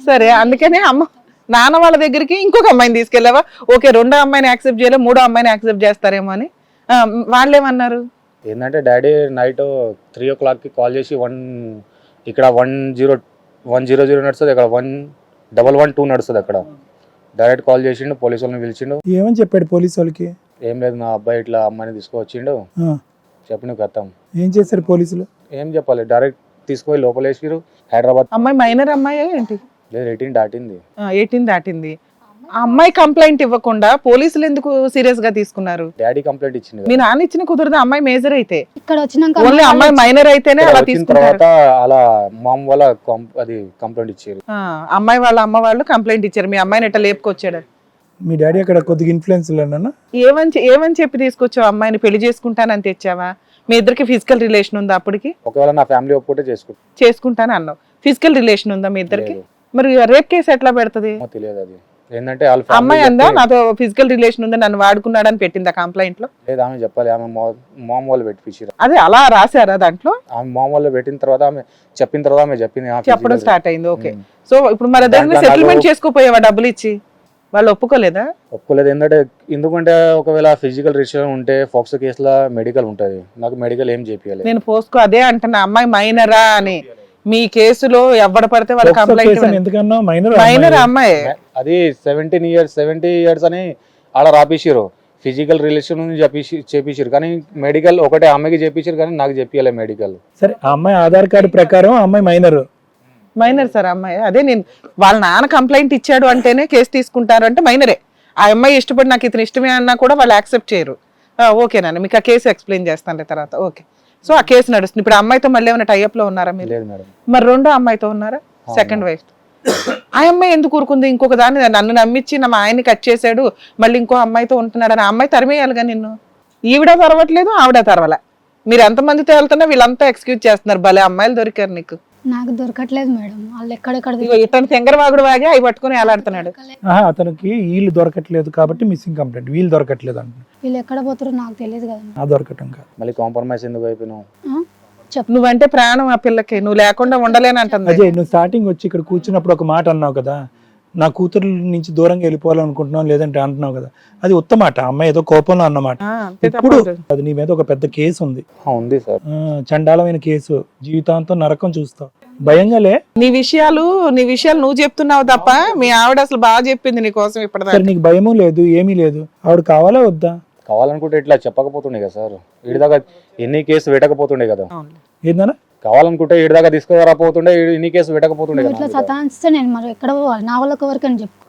సరే అందుకనే నాన్న వాళ్ళ దగ్గరికి ఇంకొక అమ్మాయిని తీసుకెళ్ళావా? ఓకే, రెండో అమ్మాయిని యాక్సెప్ట్ చేయలే, మూడో అమ్మాయిని యాక్సెప్ట్ చేస్తారేమో అని. వాళ్ళు ఏమన్నారు? ఏంటంటే డాడీ నైట్ 3 o'clockకి కాల్ చేసి ఇక్కడ 100 నడుస్తుంది, ఇక్కడ 112 నడుస్తుంది. అక్కడ డైరెక్ట్ కాల్ చేసిండు, పోలీసు వాళ్ళని పిలిచిండు. ఏమని చెప్పాడు పోలీసు వాళ్ళకి? ఏం లేదు, మా అబ్బాయి ఇట్లా అమ్మాయిని తీసుకువచ్చిండు చెప్పిన కథం. ఏం చేశారు పోలీసులు? ఏం చెప్పాలి, డైరెక్ట్ తీసుకుపోయి లోపలేసిరు. హైదరాబాద్ అమ్మాయి మైనర్ అమ్మాయి ఏంటి? లేదు, 18 దాటింది. 18 దాటింది. ఆ అమ్మాయి కంప్లైంట్ ఇవ్వకుండా పోలీసులు ఎందుకు సీరియస్ గా తీసుకున్నారు? డాడీ కంప్లైంట్ ఇచ్చింది. మీ నాన్న ఇచ్చిన కుదరదు, అమ్మాయి మేజర్ అయితే. ఇక్కడ వచ్చినాక ఓన్లీ అమ్మాయి మైనర్ అయితేనే అలా వచ్చిన తీసుకున్నారు. తర్వాత అలా మామ్ వాళ్ళ అది కంప్లైంట్ ఇచ్చారు. అమ్మాయి వాళ్ళ అమ్మ వాళ్ళు కంప్లైంట్ ఇచ్చారు, మీ అమ్మాయిని ఎట్లా లేపుకొచ్చాడు. మీ డాడీ అక్కడ కొద్దిగా ఇన్ఫ్లుయెన్స్ లేనా? ఏమని చెప్పి తీసుకొచ్చావు? అమ్మాయిని పెళ్లి చేసుకుంటానని తెచ్చావా? మీ ఇద్దరికి ఫిజికల్ రిలేషన్ ఉందా అప్పటికి? ఒకవేళ నా ఫ్యామిలీ ఒప్పుకుంటే చేసుకుంటాను అన్నావు. ఫిజికల్ రిలేషన్ ఉందా మీ ఇద్దరికి? మరి రేప్ కేసు ఎట్లా పెడుతుంది? తెలియదు. అది ఏంటంటే అమ్మాయి అందా నాతో ఫిజికల్ రిలేషన్ ఉందా, నన్ను వాడుకున్నాడని పెట్టిందా కంప్లైంట్ లో? లేదు, ఆమె చెప్పాలి. ఆమె మామ్ వాళ్ళు పెట్టించారు. అదే అలా రాశారా దాంట్లో? ఆమె మామ్ వాళ్ళు పెట్టిన తర్వాత ఆమె చెప్పిన తర్వాత ఆమె చెప్పింది, చెప్పడం స్టార్ట్ అయింది. ఓకే, సో ఇప్పుడు మరి దాన్ని సెటిల్మెంట్ చేసుకోపోయావా డబ్బులు ఇచ్చి? వాళ్ళు ఒప్పుకోలేదా? ఒప్పుకోలేదు. ఎందుకంటే ఒకవేళ ఫిజికల్ రిలేషన్ ఉంటే ఫోక్సో కేసులో మెడికల్ ఉంటది, నాకు మెడికల్ ఏం చేపియాలి. నేను పోస్కో అదే అంటున్నా, అమ్మాయి మైనరా అని. మీ కేసులో ఎవడ పడితే వాళ్ళ కంప్లైంట్ మైనర్ అమ్మాయి. అది 70 years అని ఆడ రాపిసిరు. ఫిజికల్ రిలేషన్ చేపించారు, కానీ మెడికల్ ఒకటే అమ్మాయికి చేపించారు, కానీ నాకు చెప్పాలి మెడికల్. సరే, ఆ అమ్మాయి ఆధార్ కార్డు ప్రకారం అమ్మాయి మైనర్ సార్ అమ్మాయి. అదే నేను వాళ్ళ నాన్న కంప్లైంట్ ఇచ్చాడు అంటేనే కేసు తీసుకుంటారు అంటే మైనరే. ఆ అమ్మాయి ఇష్టపడి నాకు ఇతను ఇష్టమే అన్నా కూడా వాళ్ళు యాక్సెప్ట్ చేయరు. ఓకేనా, మీకు ఆ కేసు ఎక్స్ప్లెయిన్ చేస్తాను తర్వాత. ఓకే, సో ఆ కేసు నడుస్తుంది. ఇప్పుడు అమ్మాయితో మళ్ళీ ఏమైనా టైఅప్ లో ఉన్నారా మీరు? లేదు మేడం. మరి రెండో అమ్మాయితో ఉన్నారా? Second wife. ఆ అమ్మాయి ఎందుకు ఊరుకుంది? ఇంకొక దాన్ని నన్ను నమ్మించి మా ఆయన్ని కట్ చేశాడు, మళ్ళీ ఇంకో అమ్మాయితో ఉంటున్నాడు అని ఆ అమ్మాయి తరిమేయాలిగా నిన్ను. ఈవిడ తరవట్లేదు, ఆవిడ తరవల. మీరు ఎంతమందితో వెళ్తున్నా వీళ్ళంతా ఎక్స్క్యూజ్ చేస్తున్నారు. భలే అమ్మాయిలు దొరికారు నీకు. నాకు దొరకట్లేదు మేడం, వాళ్ళు ఎక్కడెక్కడ ఇతను తెంగరవాగుడు వాగి అవి పట్టుకుని ఎలాడుతున్నాడు. అతనికి వీళ్ళు దొరకట్లేదు కాబట్టి మిస్సింగ్ కంప్లైంట్. వీళ్ళు దొరకట్లేదు అంట. వీళ్ళు ఎక్కడ పోతారో నాకు తెలియదు కదా. దొరకటం కాదు, మళ్ళీ కాంప్రమైజ్ ఎందుకు అయిపోయినావు? నువ్వంటే ప్రాణం ఆ పిల్లకి, నువ్వు లేకుండా ఉండలేనంటుంది. అజయ్, నువ్వు స్టార్టింగ్ వచ్చి ఇక్కడ కూర్చున్నప్పుడు ఒక మాట అన్నావు కదా, నా కూతురు నుంచి దూరంగా వెళ్ళిపోవాలనుకుంటున్నావు లేదంటే అంటున్నావు కదా, అది ఉత్తమాట. అమ్మాయి ఏదో కోపంలో అన్నమాట. ఇప్పుడు అది నీ మీద ఒక పెద్ద కేసు ఉంది. ఉంది సార్, చండాలమైన కేసు, జీవితాంతం నరకం చూస్తావు. భయంగాలే. నీ విషయాలు నువ్వు చెప్తున్నావు తప్ప మీ ఆవిడ అసలు బాగా చెప్పింది నీ కోసం ఇప్పటిదాకా. నీకు భయము లేదు, ఏమీ లేదు. ఆవిడ కావాలా వద్దా? కావాలనుకుంటే ఇట్లా చెప్పకపోతుండే కదా సార్. వీడిదాకా ఎన్ని కేసు పెట్టకపోతుండే కదా. ఏందన్నా? కావాలనుకుంటే వీడిదాకా తీసుకురాపోతుండే, ఇన్ని కేసు పెట్టకపోతుండే కదా. ఇట్లా సతాయిస్తే నేను మరి ఎక్కడ పోవాలి? నా వాళ్ళకి ఎవరికి అని చెప్పు.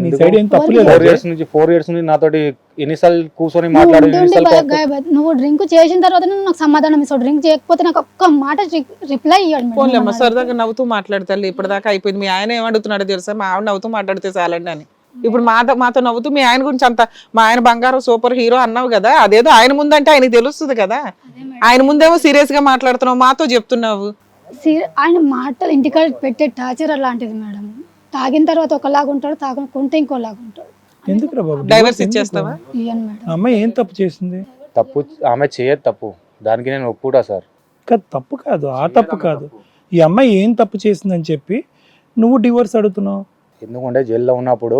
4 years నుంచి నాతోటి ఎన్నిసార్లు కూర్చొని మాట్లాడు. నువ్వు డ్రింక్ చేసిన తర్వాత నాకు సమాధానం ఇస్తావు. డ్రింక్ చేయకపోతే నాకు ఒక్క మాట రిప్లై ఇవ్వండి. సరదాగా నవ్వుతూ మాట్లాడతారు. ఇప్పటిదాకా అయిపోయింది. మీ ఆయన ఏమడుగుతున్నాడో తెలుసా? మా ఆవిడ నవ్వుతూ మాట్లాడితే చాలండి అని. ఇప్పుడు మాతో నవ్వుతూ మీ ఆయన గురించి అంత, మా ఆయన బంగారం సూపర్ హీరో అన్నావు కదా, అదేదో ఆయన ముందంటే ఆయనకి తెలుస్తుంది కదా. ఆయన ముందేమో సీరియస్ గా మాట్లాడుతున్నావు, మాతో చెప్తున్నావు. ఆయన మాటలు ఇంటికాడ పెట్టే టార్చర్ అలాంటిది మేడం. తాగిన తర్వాత ఒకలాగా ఉంటాడు, తాగకుంటే ఇంకోలాగా ఉంటాడు. ఎందుకు బాబు డైవర్స్ ఇచ్చేస్తావా? ఇయ్యను మేడం. అమ్మాయి ఏం తప్పు చేసింది? తప్పు ఆమె చేయదు, తప్పు దానికి నేను ఒప్పుకుంటా సార్. తప్పు కాదు, ఆ తప్పు కాదు. ఈ అమ్మాయి ఏం తప్పు చేసిందని చెప్పి నువ్వు డివోర్స్ అడుగుతున్నావు? ఎందుకంటే జైల్లో ఉన్నప్పుడు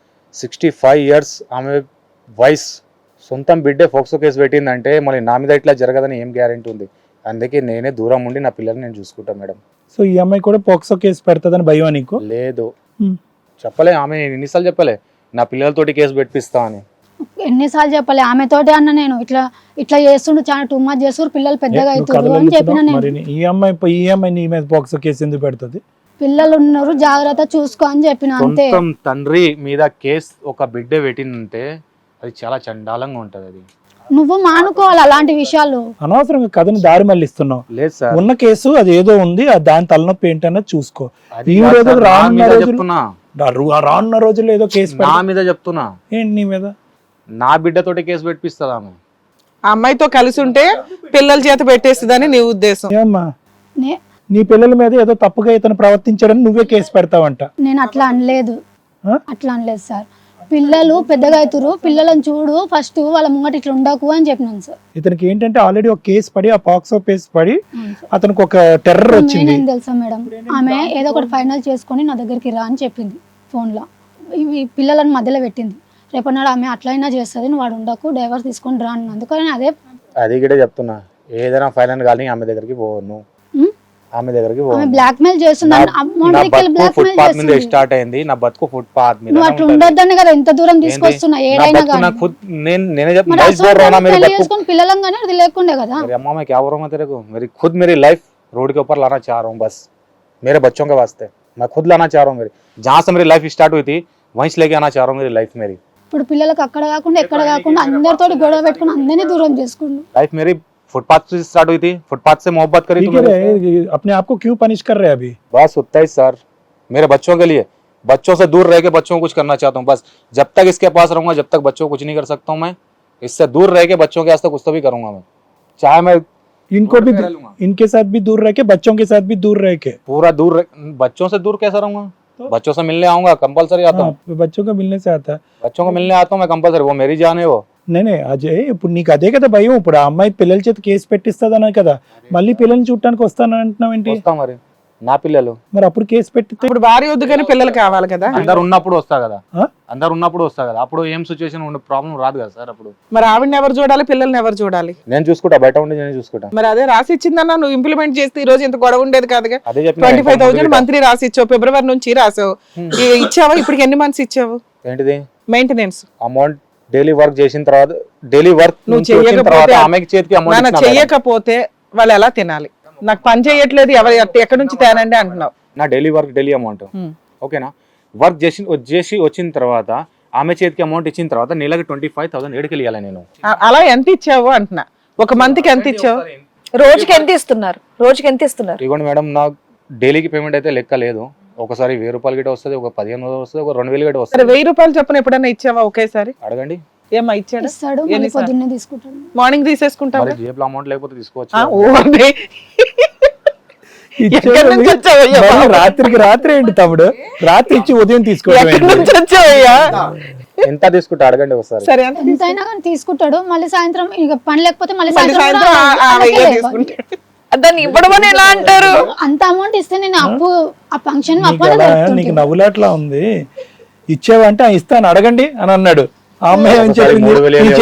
65 years ఆమె వయస్, సొంతం బిడ్డే ఫోక్సో కేసు పెట్టిందంటే మళ్ళీ నా మీద ఇట్లా జరగదని ఏం గ్యారెంటీ ఉంది? అందుకే నేనే దూరం ఉండి నా పిల్లల్ని నేను చూసుకుంటా మేడం. సో ఈ అమ్మాయి కూడా పోక్సో కేసు పెడతాదని భయం నీకు? లేదు, చెప్పలే. ఆమె ఎన్నిసార్లు చెప్పలే నా పిల్లలతోటి కేసు పెట్టిస్తా అని. ఎన్నిసార్లు చెప్పలే ఆమెతోటి అన్న నేను. ఇట్లా చేస్తుండు, చాలా టూ మచ్ చేస్తారు, పిల్లలు పెద్దగా అవుతారు అని చెప్పిన నేను. ఈ అమ్మాయి నీ మీద పోక్సో కేసు ఎందుకు పెడుతుంది? పిల్లలు ఉన్నారు, జాగ్రత్త చూసుకో అని చెప్పిన అంతే. తండ్రి మీద కేసు ఒక బిడ్డ పెట్టిందంటే అది చాలా చండాలంగా ఉంటది. అది నువ్వు మానుకోవాలి అలాంటి విషయాలు. అనవసరంగా కథను దారి మళ్ళిస్తున్నావు. లేదు సార్, ఉన్న కేసు అది ఏదో ఉంది, దాని తలనొప్పి ఏంటన్నది చూసుకో. రానున్న రోజుల్లో ఏదో కేసు నా మీద చెప్తున్నా. ఏంటి నీ మీద? నా బిడ్డతోటి కేసు పెట్టిస్తుంది ఆమె. ఆ అమ్మాయితో కలిసి ఉంటే పిల్లల చేత పెట్టేస్తుందని నీ ఉద్దేశం? ఏమ్మా, నీ పిల్లల మీద ఏదో తప్పుగా ఇతను ప్రవర్తించాడని నువ్వే కేసు పెడతావంట. నేను అట్లా అనలేదు సార్. పిల్లలు పెద్దగా అవుతారు, పిల్లలను చూడు ఫస్ట్, వాళ్ళ ముంగట ఇట్లా ఉండకు అని చెప్పినాను సార్. ఇతనికి ఏంటంటే ఆల్రెడీ ఒక కేసు పడి, ఆ పాక్సో కేసు పడి అతనికి ఒక టెర్రర్ వచ్చింది. ఏం తెలుసా మేడం, ఆమె ఏదో ఒకటి ఫైనల్ చేసుకొని నా దగ్గరికి రా అని చెప్పింది ఫోన్లో. ఇవి పిల్లలను మధ్యలో పెట్టింది. రేపన్నాడు ఆమె అట్లయినా చేస్తుంది, నువ్వు వాడు ఉండకు, డైవర్స్ తీసుకొని రా అన్న. అందుకని అది కూడా చెప్తున్నా, ఏదైనా ఫైనల్ కానీ ఆమె దగ్గరికి పోను, ఆమె దగ్గరికి ఆమె బ్లాక్ మెయిల్ చేస్తుంది. ఫుట్పాత్ మీద స్టార్ట్ అయింది నా బతుకు, ఫుట్పాత్ మీద. నువ్వు అట్లా ఉండొద్దనే కదా ఇంత దూరం తీసుకొస్తున్నా. ఏడైనా చేసుకొని పిల్లలంగానే అది లేకుండే కదా. अम्मा मैं क्या बोल रहा हूँ तेरे को, मेरी खुद मेरी लाइफ रोड के ऊपर लाना चाह रहा हूँ, बस मेरे बच्चों के वास्ते मैं खुद लाना चाह रहा हूँ. मेरी जहाँ से मेरी लाइफ स्टार्ट हुई थी वहीं से लेके आना चाह रहा हूँ मेरी लाइफ. मेरी ఇప్పుడు పిల్లలకు అక్కడ కాకుండా ఎక్కడ కాకుండా అందరితో గొడవ పెట్టుకుని అందరినీ దూరం చేసుకున్నాను. लाइफ मेरी फुटपाथ से स्टार्ट हुई थी, फुटपाथ से मोहब्बत करी तो अपने आप को क्यों पनिश कर रहे हैं अभी? बस उतना ही सर, मेरे बच्चों के लिए, बच्चों से दूर रह के बच्चों को कुछ करना चाहता हूँ. बस जब तक इसके पास रहूंगा, जब तक बच्चों को कुछ नहीं कर सकता हूँ मैं. इससे दूर रह के बच्चों के वास्ते कुछ तो भी करूंगा मैं, चाहे मैं इनको भी, इनके साथ भी दूर रह के, बच्चों के साथ भी दूर रह के, पूरा दूर बच्चों से दूर कैसा रहूंगा? बच्चों से मिलने आऊंगा, कंपलसरी आता हूँ. बच्चों को मिलने से आता है, बच्चों को मिलने आता हूँ मैं कंपलसरी, वो मेरी जान है वो. నేనే అజయ్ ఇప్పుడు నీకు అదే కదా భయం. ఇప్పుడు ఆ అమ్మాయి పిల్లల చేత కేసు పెట్టిస్తుందన్నా కదా, మళ్ళీ పిల్లల్ని చూడటానికి వస్తాను అంటున్నావు ఏంటి? వస్తా మరి, నా పిల్లలు మరి అప్పుడు కేసు పెట్టితే ఇప్పుడు భార్య వద్దు కానీ పిల్లలు కావాలి కదా. అందరు ఉన్నప్పుడు వస్తా కదా, అందరు ఉన్నప్పుడు వస్తా కదా, అప్పుడు ఏం సిచ్యువేషన్ ఉండే ప్రాబ్లం రాదు కదా సార్. అప్పుడు మరి ఆవిడని ఎవరు చూడాలి, పిల్లల్ని ఎవరు చూడాలి? నేను చూసుకుంటా, బయట ఉండి నేను చూసుకుంటా. మరి అదే రాసి ఇచ్చిందన్నా, నువ్వు ఇంప్లిమెంట్ చేస్తే ఈ రోజు ఇంత గొడవ ఉండేది కాదుగా. అదే చెప్పి 25,000 మంత్లీ రాసి ఇచ్చావు, ఫిబ్రవరి నుంచి రాసావు. ఇచ్చావా? ఇప్పటికి ఎన్ని మంత్స్ ఇచ్చావు? ఏంటిది మెయింటెనెన్స్ అమౌంట్? డైలీ వర్క్ చేసిన తర్వాత, డైలీ వర్క్ నువ్వు చెయ్యకపోతే వాళ్ళు ఎలా తినాలి? నాకు పని చేయట్లేదు, ఎక్కడి నుంచి తేనండి అంటున్నావు. నా డైలీ వర్క్ డైలీ అమౌంట్ ఓకేనా. వర్క్ చేసి వచ్చిన తర్వాత ఆమె చేతికి అమౌంట్ ఇచ్చిన తర్వాత నెలకి 25,000 ఏడుకి వెళ్ళాలి నేను. అలా ఎంత ఇచ్చావు అంటున్నా, ఒక మంత్ కి ఎంత ఇచ్చావు? రోజుకి ఎంత ఇస్తున్నారు? రోజుకి ఎంత ఇస్తున్నారు? ఇవ్వండి మేడం, నాకు డైలీకి పేమెంట్ అయితే లెక్క లేదు. ఒకసారి 1,000 రూపాయలు గిట్ట వస్తుంది, ఒక 15,000 వస్తుంది, ఒక 2,000 గిట్ట వస్తుంది. 1,000 రూపాయలు చెప్పిన ఎప్పుడైనా ఇచ్చావా ఒకేసారి? అడగండి. ఏమా ఇచ్చాడు? ఇస్తాడు, మళ్ళీ పొద్దున్నే తీసుకుంటాడు. మార్నింగ్ తీసేసుకుంటావు. జేబులో అమౌంట్ లేకపోతే తీసుకోవచ్చు. రాత్రికి రాత్రి ఏంటి తమ్ముడు, రాత్రి ఇచ్చి ఉదయం తీసుకోవడం ఎంత తీసుకుంటా అడగండి ఒకసారి. సరే ఎంతైనా కానీ తీసుకుంటాడు. మళ్ళీ సాయంత్రం ఇక పని లేకపోతే మళ్ళీ దాన్ని ఇవ్వడం అని ఎలా అంటారు? అంత అమౌంట్ ఇస్తే నేను అప్పు ఆ ఫంక్షన్ నీకు నవ్వులాట్లా ఉంది. ఇచ్చేవంటే ఇస్తాను అడగండి అని అన్నాడు. ఆ అమ్మాయి ఏం చెప్పింది?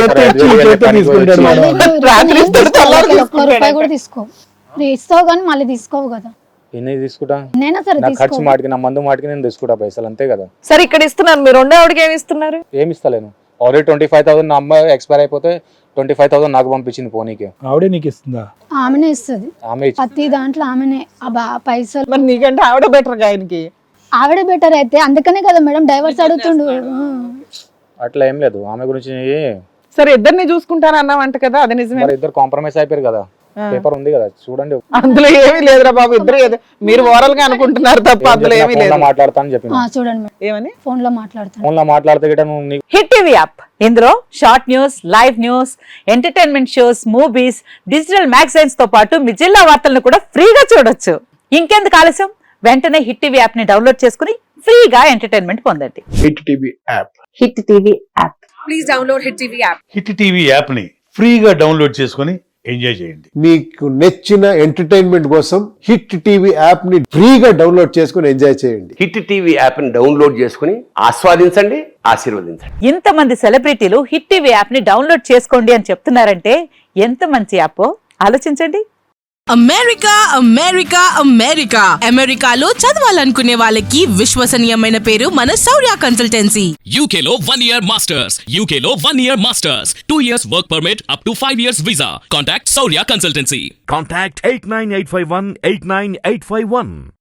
రూపాయి కూడా తీసుకో, ఇస్తావు కానీ మళ్ళీ తీసుకోవు కదా. ఎన్ని తీసుకుంటా? నేనా సరే ఖర్చు మాటికి, నా మందు మాటికి నేను తీసుకుంటా పైసలు, అంతే కదా. సరే ఇక్కడ ఇస్తున్నారు, మీరు రెండో ఆవిడకి ఏమి ఇస్తున్నారు? ఏమి ఇస్తలేను. ఆల్రెడీ 25,000 నా అమ్మాయి ఎక్స్పైర్ అయిపోతే 25,000 నాకు పంపించింది పోనీకి. ఆవిడే నీకు ఇస్తుందా? ఆమెనే ఇస్తుంది, ఆమె ప్రతి దాంట్లో ఆమెనే పైసలు. మరి నీకంటే ఆవిడ బెటర్ గా ఆయనకి. ఆవిడ బెటర్ అయితే అందుకనే కదా మేడం డైవర్స్ అడుగుతుండు. అట్లా ఏం లేదు ఆమె గురించి. సరే ఇద్దరిని చూసుకుంటాను అన్నావంట కదా, అది నిజమే. ఇద్దరు కాంప్రమైజ్ అయిపోయారు కదా, పేపర్ ఉంది కదా చూడండి. అందులో ఏమీ లేదురా బాబు, ఇద్దరు మీరు ఓరల్ గా అనుకుంటున్నారు తప్ప అందులో ఏమీ లేదు. మాట్లాడతాను చెప్పి చూడండి ఏమని ఫోన్ లో మాట్లాడతాను. ఫోన్ లో మాట్లాడితే హిట్ టీవీ యాప్, ఇందులో short news, live news, entertainment shows, movies, digital magazines తో పాటు మీ జిల్లా వార్తలను కూడా ఫ్రీగా చూడొచ్చు. ఇంకెందుకు ఆలస్యం, వెంటనే హిట్ టీవీ యాప్ ని డౌన్లోడ్ చేసుకుని ఫ్రీగా ఎంటర్టైన్మెంట్ పొందండి. Hit TV app, hit TV app. Please download hit TV app. Hit TV app ని ఫ్రీగా డౌన్లోడ్ చేసుకుని ఎంజాయ్ చేయండి. మీకు నచ్చిన ఎంటర్టైన్మెంట్ కోసం హిట్ టీవీ యాప్ ని ఫ్రీగా డౌన్లోడ్ చేసుకుని ఎంజాయ్ చేయండి. హిట్ టీవీ యాప్ ని డౌన్లోడ్ చేసుకుని ఆస్వాదించండి, ఆశీర్వదించండి. ఇంతమంది సెలబ్రిటీలు హిట్ టీవీ యాప్ ని డౌన్లోడ్ చేసుకోండి అని చెప్తున్నారంటే ఎంత మంచి యాప్ ఆలోచించండి. అమెరికా అమెరికా అమెరికా అమెరికాలో చదవాలనుకునే వాళ్ళకి విశ్వసనీయమైన పేరు మన శౌర్య కన్సల్టెన్సీ. UK లో 1 year masters, UK లో 1 year masters, 2 years work permit up to 5 years visa. Contact Saurya Consultancy. Contact 89851 89851.